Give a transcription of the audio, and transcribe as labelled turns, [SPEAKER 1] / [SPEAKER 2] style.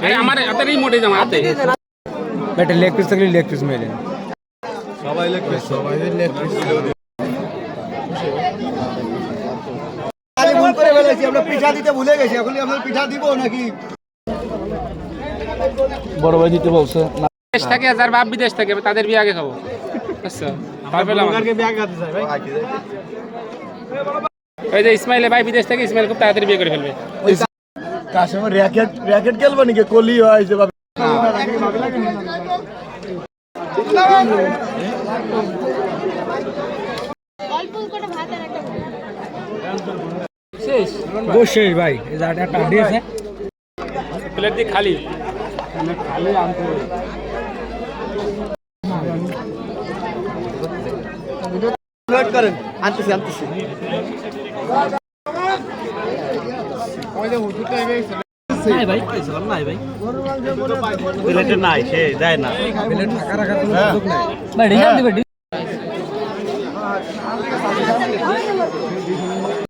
[SPEAKER 1] আমার হাতে রিমোটে জামা হাতে
[SPEAKER 2] বেটা লেগ পিস থাকলে লেগ পিস মেরে
[SPEAKER 3] সবাই লেগ পিস
[SPEAKER 4] ভুল করে ফেলেছি আমরা পিঠা দিতে ভুলে গেছি এখন আমরা পিঠা দিব নাকি
[SPEAKER 3] বড় ভাই দিতে বলছে না
[SPEAKER 1] দেশ থেকে যার বাপ বিদেশ থেকে তাদের বিয়ে আগে খাবো আচ্ছা ওই যে ইসমাইলে ভাই বিদেশ থেকে ইসমাইল খুব তাড়াতাড়ি বিয়ে করে ফেলবে
[SPEAKER 4] কাস্টমার র্যাকেট র্যাকেট খেলবো নাকি কলি হয় যে
[SPEAKER 2] শেষ ভাই এই যে একটা আড্ডি আছে
[SPEAKER 1] প্লেট দিয়ে খালি
[SPEAKER 2] খালি আনতে
[SPEAKER 4] ওয়েট করেন আনতেছি
[SPEAKER 2] নাই ভাই কইছিলাম নাই ভাই
[SPEAKER 4] প্লেটে নাই সে যায় না
[SPEAKER 2] প্লেট টাকা রাখার কোনো সুযোগ নাই ভাই ডিজাইন দিবে